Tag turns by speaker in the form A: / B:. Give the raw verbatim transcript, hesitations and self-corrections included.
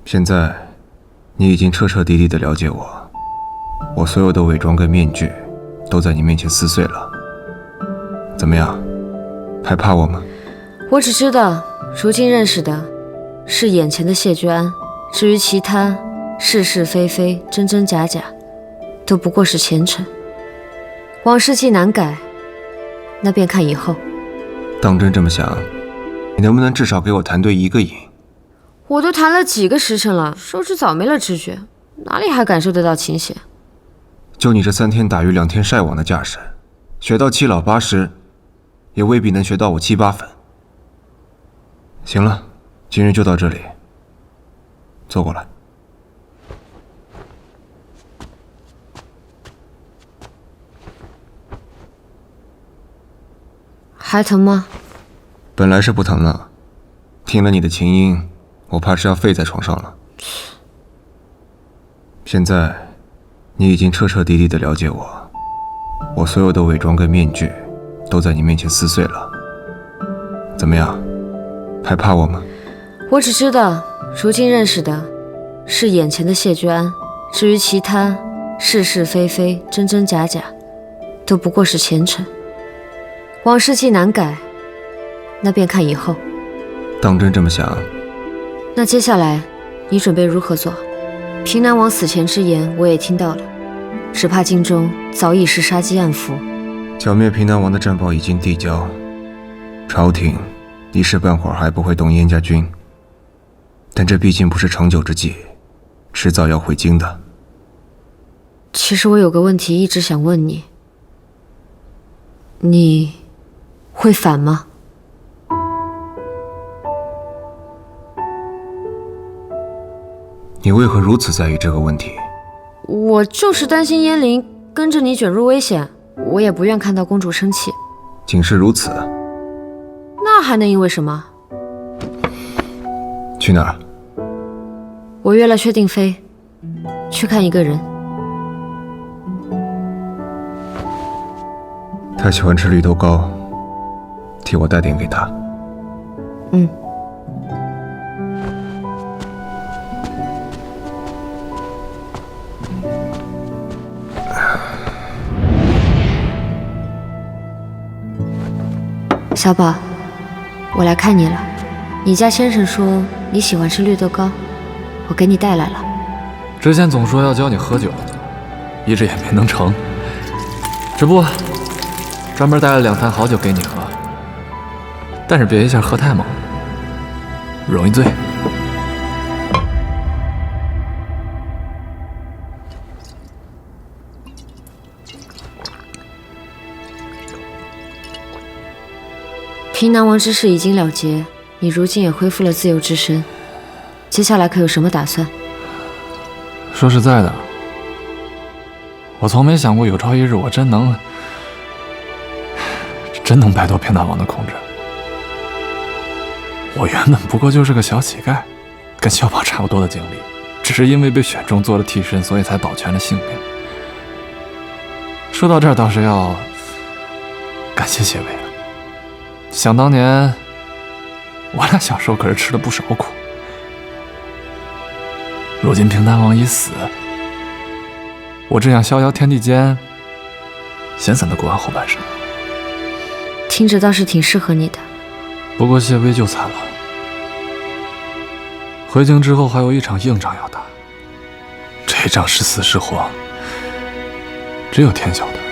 A: 现在，你已经彻彻底底的了解我，我所有的伪装跟面具，都在你面前撕碎了。怎么样，还怕我吗？
B: 我只知道，如今认识的是眼前的谢居安，至于其他是是非非、真真假假，都不过是前尘。往事既难改，那便看以后。
A: 当真这么想，你能不能至少给我弹对一个影？
B: 我都弹了几个时辰了，手指早没了知觉，哪里还感受得到琴弦？
A: 就你这三天打鱼两天晒网的架势，学到七老八十，也未必能学到我七八分。行了，今日就到这里，坐过来。
B: 还疼吗？
A: 本来是不疼了，听了你的琴音，我怕是要废在床上了。现在，你已经彻彻底底的了解我，我所有的伪装跟面具，都在你面前撕碎了。怎么样，还怕我吗？
B: 我只知道，如今认识的是眼前的谢居安，至于其他是是非非、真真假假，都不过是前尘。往事既难改，那便看以后。
A: 当真这么想，
B: 那接下来你准备如何做？平南王死前之言我也听到了，只怕京中早已是杀机暗伏。
A: 剿灭平南王的战报已经递交，朝廷一时半会儿还不会动燕家军，但这毕竟不是长久之计，迟早要回京的。
B: 其实我有个问题一直想问你，你会反吗？
A: 你为何如此在意这个问题？
B: 我就是担心燕陵跟着你卷入危险，我也不愿看到公主生气。
A: 仅是如此？
B: 那还能因为什么？
A: 去哪儿？
B: 我约了薛定飞，去看一个人。
A: 他喜欢吃绿豆糕，替我带点给他。
B: 嗯。小宝，我来看你了。你家先生说你喜欢吃绿豆糕，我给你带来了。
C: 之前总说要教你喝酒，一直也没能成。只不过专门带了两坛好酒给你喝，但是别一下喝太猛，容易醉。
B: 平南王之事已经了结，你如今也恢复了自由之身，接下来可有什么打算？
C: 说实在的，我从没想过有朝一日我真能真能摆脱平南王的控制。我原本不过就是个小乞丐，跟小宝差不多的经历，只是因为被选中做了替身，所以才保全了性命。说到这儿，倒是要感谢谢伟了。想当年，我俩小时候可是吃了不少苦。如今平南王已死，我只想逍遥天地间，闲散的过完后半生。
B: 听着倒是挺适合你的。
C: 不过谢微就惨了，回京之后还有一场硬仗要打，这仗是死是活，只有天晓得。